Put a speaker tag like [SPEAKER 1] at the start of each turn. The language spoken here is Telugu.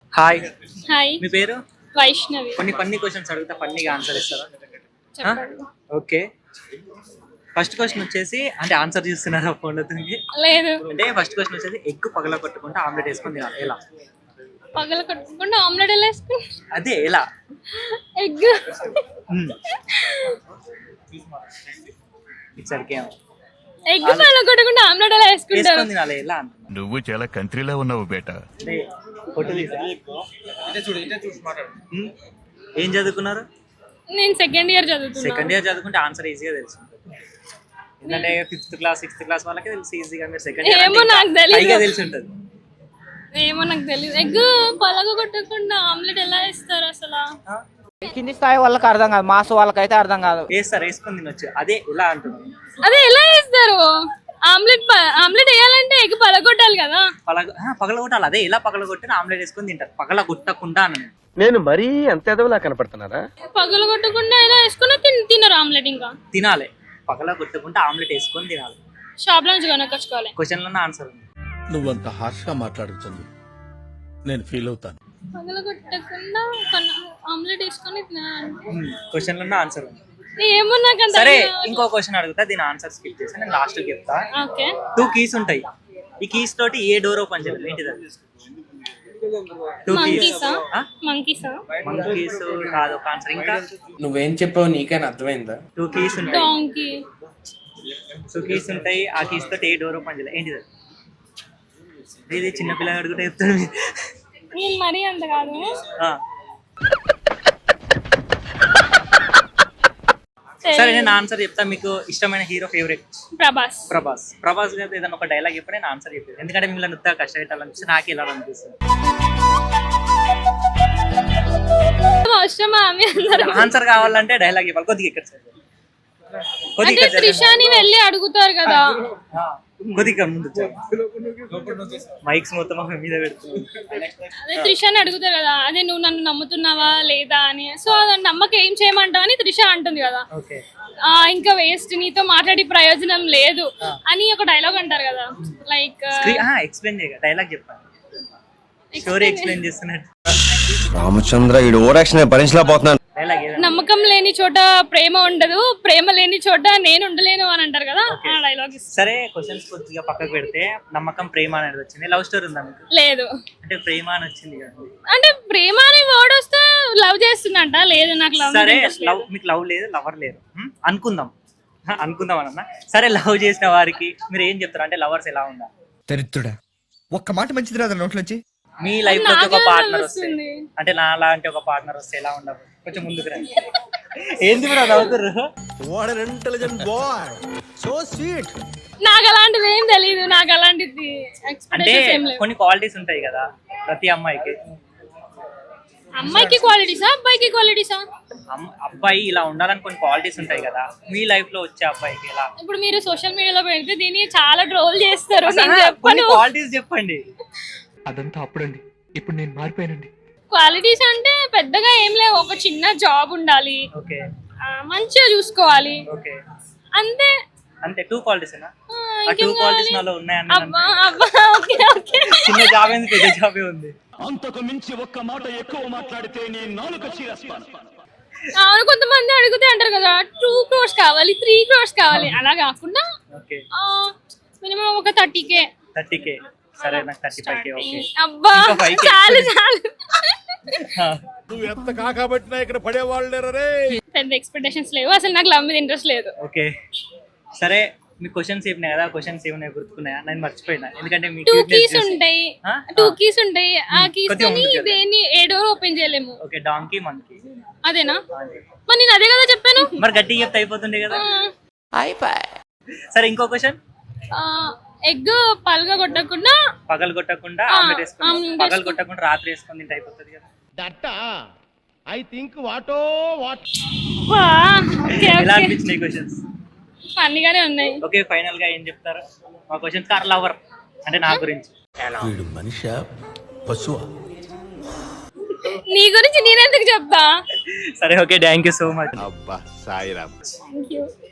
[SPEAKER 1] హాయ్,
[SPEAKER 2] హాయ్,
[SPEAKER 1] మీ పేరు?
[SPEAKER 2] వైష్ణవి.
[SPEAKER 1] కొన్ని ఫన్నీ క్వశ్చన్స్ అడుగుతా, ఫన్నీగా ఆన్సర్ ఇస్తారా?
[SPEAKER 2] చెప్పండి.
[SPEAKER 1] ఓకే, ఫస్ట్ క్వశ్చన్ వచ్చేసి, అంటే ఆన్సర్ చూస్తున్నారా ఫోన్లో?
[SPEAKER 2] లేదు,
[SPEAKER 1] అంటే ఫస్ట్ క్వశ్చన్ వచ్చేసి, ఎగ్ పగల కొట్టుకుంటే ఆమ్లెట్ వేసుకొని తినాలి, ఎలా?
[SPEAKER 2] పగల కొట్టుకుండా ఆమ్లెట్ ఎలా వేసుకుని?
[SPEAKER 1] అదే ఎలా?
[SPEAKER 2] ఎగ్
[SPEAKER 1] ఇచ్చరికి
[SPEAKER 2] ఎగ్ పగల కొట్టకుండా ఆమ్లెట్ ఎలా వేసుకుంటారు?
[SPEAKER 1] వేసుకొని తినాలి, ఎలా అంటున్నా.
[SPEAKER 3] నువ్వు చాలా కంట్రీలో ఉన్నావు బేటా.
[SPEAKER 1] అంటే ఫోటో తీసా. ఏం చదువుకున్నారు?
[SPEAKER 2] నేను సెకండ్ ఇయర్ చదువుతున్నా.
[SPEAKER 1] సెకండ్ ఇయర్ చదువుకుంటే ఆన్సర్ ఈజీగా తెలుసు. ఎందుకంటే 5th క్లాస్ 6th క్లాస్ వాళ్ళకి తెలుసు ఈజీగా. మీరు సెకండ్ ఇయర్
[SPEAKER 2] ఏమో నాకు తెలియదు.
[SPEAKER 1] తెలిసి ఉంటుంది.
[SPEAKER 2] ఏమో నాకు తెలియదు. ఎగ్ పగల కొట్టకుండా ఆమ్లెట్ ఎలా వేస్తారు అసలు?
[SPEAKER 4] కింది స్థాయి వాళ్ళకి అర్థం కాదు, మాస్ వాళ్ళకైతే అర్థం కాదు.
[SPEAKER 1] వేస్తారు, వేసుకొని తినొచ్చు. అదే ఎలా అంటున్నాను.
[SPEAKER 2] అదే ఎలా వేస్తారు? ఆమ్లెట్ వేయాలంటే ఎగ్ పగలగొట్టాలి కదా.
[SPEAKER 1] పగలగొట్టాలి. అదే ఎలా పగలగొట్టిన ఆమ్లెట్ వేసుకొని తింటారు, పగలగొట్టకుండా అని.
[SPEAKER 5] నేను మరీ అంత ఎదవలా కనపడుతున్నారా?
[SPEAKER 2] పగలగొట్టకుండా ఎలా వేసుకున్నా తినరు ఆమ్లెట్. ఇంకా
[SPEAKER 1] తినాలి, పగలగొట్టకుండా ఆమ్లెట్ వేసుకొని తినాలి.
[SPEAKER 2] షాప్ లో నుంచి కొనుక్కొచ్చుకోవాలి.
[SPEAKER 1] క్వశ్చన్లో ఆన్సర్ ఉంది.
[SPEAKER 6] నువ్వంత హార్ష్ గా మాట్లాడుతుంది నేను ఫీల్ అవుతాను.
[SPEAKER 2] పగలగొట్టకుండా ఆమ్లెట్ వేసుకొని తినాలంటే
[SPEAKER 1] క్వశ్చన్లో ఆన్సర్ ఉంది.
[SPEAKER 2] ఏమో నాకు అంత.
[SPEAKER 1] సరే, ఇంకో క్వశ్చన్ అడుగుతా, దీని ఆన్సర్ స్కిప్ చేసి నేను లాస్ట్ చెప్తా.
[SPEAKER 2] ఓకే.
[SPEAKER 1] 2 కీస్ ఉంటాయి. ఈ కీస్ తోటి ఏ డోర్ ఓపెన్ చేయాలి? ఏంటిది అది? 2 కీస్.
[SPEAKER 2] మంకీస్
[SPEAKER 1] కాదు ఒక ఆన్సర్. ఇంకా
[SPEAKER 7] నువ్వేం చెప్పావు నీకైనా అర్థమైందా?
[SPEAKER 1] 2 కీస్ ఉంటాయి.
[SPEAKER 2] డాంకీ.
[SPEAKER 1] 2 కీస్ ఉంటాయి. ఆ కీస్ తోటి ఏ డోర్ ఓపెన్ చేయాలి? ఏంటిది? ఇది చిన్న పిల్లగాడు కూడా చెప్తాడు.
[SPEAKER 2] నేను మరీ అంత కాదు.
[SPEAKER 1] సరే, నేను ఆన్సర్ చెప్తా. మీకు ఇష్టమైన హీరో ఫేవరెట్? ప్రభాస్ గారు ఏదైనా ఒక డైలాగ్ చెప్పి నేను ఆన్సర్ చెప్పాను. ఎందుకంటే మిమ్మల్ని ఉత్తగా కష్టపెట్టాలనిపిస్తే నాకు ఇలా అనిపిస్తుంది. ఆన్సర్ కావాలంటే డైలాగ్ చెప్పాలి. కొద్దిగా ఇక్కడ
[SPEAKER 2] అంటే త్రిషాని వెళ్ళి అడుగుతారు కదా.
[SPEAKER 1] కొద్దిగా ముందు మైక్స్ మొత్తం మీద పెడుతుంది.
[SPEAKER 2] అదే త్రిషాని అడుగుతారు కదా, అదే నువ్వు నన్ను నమ్ముతున్నావా లేదా అని. సో నమ్మకం ఏం చేయమంటావు అని త్రిష అంటుంది కదా. ఇంకా వేస్ట్, నీతో మాట్లాడి ప్రయోజనం లేదు అని ఒక డైలాగ్ అంటారు కదా. లైక్
[SPEAKER 1] ఎక్స్ప్లెయిన్ చేయగా డైలాగ్ చెప్పాలి. స్టోరీ ఎక్స్ప్లెయిన్ చేస్తున్నట్టు.
[SPEAKER 5] రామచంద్ర ఈ ఓవరాక్షన్ భరించలేకపోతున్నాను.
[SPEAKER 2] నమ్మకం లేని చోట ప్రేమ ఉండదు, ప్రేమ లేని చోట నేను ఉండలేను అని అంటారు కదా. ఆ డైలాగ్.
[SPEAKER 1] సరే, క్వశ్చన్స్ కొద్దిగా పక్కకు పెడితే నమ్మకం ప్రేమ అనేది వచ్చింది. లవ్ స్టోరీ ఉందా మీకు?
[SPEAKER 2] లేదు.
[SPEAKER 1] అంటే ప్రేమ అని వచ్చింది కదా.
[SPEAKER 2] అంటే ప్రేమ అనే వర్డ్ వస్తే లవ్ చేస్తుందంట. లేదు, నాకు లవ్.
[SPEAKER 1] సరే, లవ్ మీకు లవ్ లేదు, లవర్ లేరు అనుకుందాం అన్న. సరే, లవ్ చేసిన వారికి మీరు ఏం చెప్తారు? అంటే లవర్స్ ఎలా ఉండాలి?
[SPEAKER 8] దరిద్రుడా, ఒక్క మాట మంచిది రాదు నోట్లోంచి.
[SPEAKER 1] మీ లైఫ్ లో ఒక పార్ట్నర్ వస్తే, అంటే నా లాంటి ఒక పార్ట్నర్ వస్తే ఎలా ఉండాలి? కొంచెం ముందుకు రండి. ఏంది కూడా నవ్వుతుర్రు?
[SPEAKER 2] నాకు అలాంటివి ఏం తెలియదు. నాకు అలాంటిది
[SPEAKER 1] అంటే కొన్ని క్వాలిటీస్ ఉంటాయి కదా ప్రతి అమ్మాయికి.
[SPEAKER 2] అమ్మాయికి క్వాలిటీసా, అబ్బాయికి క్వాలిటీసా?
[SPEAKER 1] అబ్బాయి ఇలా ఉండాలని కొన్ని క్వాలిటీస్ ఉంటాయి కదా. మీ లైఫ్ లో వచ్చే అబ్బాయికి ఎలా?
[SPEAKER 2] ఇప్పుడు మీరు సోషల్ మీడియాలో పెడితే దీన్ని చాలా ట్రోల్ చేస్తారు.
[SPEAKER 1] కొన్ని క్వాలిటీస్ చెప్పండి.
[SPEAKER 8] అదంతా అప్పుడండి, ఇప్పుడు నేను మారిపోయానండి.
[SPEAKER 2] క్వాలిటీస్ అంటే పెద్దగా ఏం లేవు. ఒక చిన్న జాబ్ ఉండాలి, మంచిగా చూసుకోవాలి, అంతే.
[SPEAKER 1] అంతే 2 క్వాలిటీస్. ఆ 2 క్వాలిటీస్ నాలో ఉన్నాయన్న. చిన్న జాబ్ ఏంది, పెద్ద జాబే ఉంది.
[SPEAKER 3] అంతకు మించి ఒక్క మాట ఎక్కువ మాట్లాడితే నేను నాలుక చీరేస్తాను.
[SPEAKER 2] అవును, కొంతమంది అడిగితే అంటారు కదా 2 crores కావాలి, 3 crores కావాలి. అలా కాకుండా మినిమం ఒక 30K.
[SPEAKER 1] సరే, నాకు 35K. ఓకే.
[SPEAKER 2] అబ్బా, చాలు.
[SPEAKER 6] నువ్వు ఎంత కాకబట్టినా ఇక్కడ పడేవాళ్ళు లేరే.
[SPEAKER 2] పెద్ద ఎక్స్పెక్టేషన్స్ లేవు అసలు. నాకు లవ్ మీద ఇంట్రెస్ట్ లేదు.
[SPEAKER 1] ఓకే, సరే. మీ క్వశ్చన్స్ ఏమన్నాయి కదా, క్వశ్చన్స్ ఏమన్నాయి గుర్తుకున్నాయా? నేను మర్చిపోయినా. ఎందుకంటే
[SPEAKER 2] 2 keys ఉంటాయి. 2 keys ఉంటాయి. ఆ కీస్ తోని దేన్ని ఏ డోర్ ఓపెన్ చేయలేము.
[SPEAKER 1] Okay, donkey, monkey.
[SPEAKER 2] అదేనా? మరి నేను అదే కదా చెప్పాను.
[SPEAKER 1] మరి గట్టిగా చెప్తే అయిపోతుండే కదా. సరే, ఇంకో క్వశ్చన్.
[SPEAKER 2] ఎగ్ పగలగొట్టకుండా
[SPEAKER 1] ఆమ్లెట్ వేసుకొని, పగలగొట్టకుండా రాత్రి వేసుకొని తింటే అయిపోతుంది కదా.
[SPEAKER 6] ఐ థింక్ వాటో వాట్.
[SPEAKER 1] ఎలా అనిపించినాయి క్వశ్చన్స్?
[SPEAKER 2] ఫన్నీగానే ఉన్నాయి.
[SPEAKER 1] ఓకే, ఫైనల్ గా ఏం చెప్తారు? మా క్వశ్చన్స్ కార్ లవర్ అంటే నా గురించి.
[SPEAKER 6] వీడు మనిషా పశువా?
[SPEAKER 2] నీ గురించి నేనెందుకు చెప్తా?
[SPEAKER 1] సరే, okay, thank you so much.
[SPEAKER 6] అబ్బా సాయిరామ్.
[SPEAKER 2] Thank you.